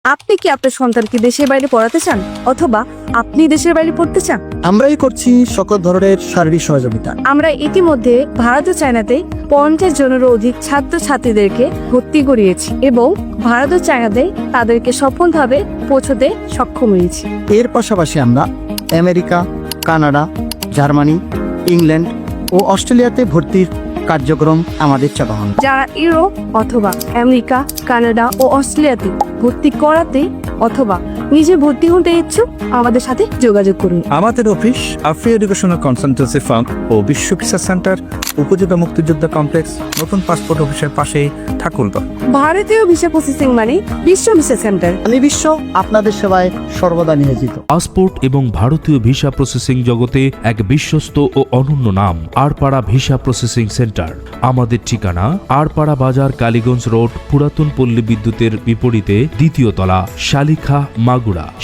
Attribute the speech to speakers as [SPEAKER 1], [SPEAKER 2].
[SPEAKER 1] আপনি কি আপনার সন্তানকে দেশের বাইরে পড়াতে চান, অথবা আপনি দেশের বাইরে পড়তে চান?
[SPEAKER 2] আমরাই করছি সকল ধরনের শারীরিক সহযোগিতা।
[SPEAKER 1] আমরা ইতিমধ্যে ভারত ও চায়নাতে 50 জনেরও অধিক ছাত্রছাত্রীদেরকে ভর্তি করিয়েছি এবং ভারত ও চায়নাতে তাদেরকে সফলভাবে পৌঁছতে সক্ষম হয়েছি।
[SPEAKER 2] এর পাশাপাশি আমরা আমেরিকা, কানাডা, জার্মানি, ইংল্যান্ড ও অস্ট্রেলিয়াতে ভর্তির কার্যক্রম আমাদের চালানো।
[SPEAKER 1] যারা ইউরোপ অথবা আমেরিকা, কানাডা ও অস্ট্রেলিয়াতে ভর্তি করাতে অথবা নিজে ভর্তি হতে ইচ্ছুক, আমাদের সাথে যোগাযোগ করুন।
[SPEAKER 3] আমাদের অফিস আফ্রি এডুকেশনাল কনসালটেন্সি ফার্ম ও বিশ্ব ভিসা সেন্টার, উপজেলা মুক্তিযোদ্ধা কমপ্লেক্স, নতুন পাসপোর্ট অফিসের পাশেই ঠাকুরগাঁও।
[SPEAKER 1] ভারতীয় ভিসা প্রসেসিং মানে বিশ্ব ভিসা সেন্টার।
[SPEAKER 2] আমি বিশ্ব আপনাদের সেবায় সর্বদা নিয়োজিত।
[SPEAKER 4] পাসপোর্ট এবং ভারতীয় ভিসা প্রসেসিং জগতে এক বিশ্বস্ত ও অনন্য নাম আরপাড়া ভিসা প্রসেসিং সেন্টার। আমাদের ঠিকানা আরপাড়া বাজার, কালীগঞ্জ রোড, পুরাতন পল্লী বিদ্যুতের বিপরীতে 2য় তলা, শালিখা, মাগুরা।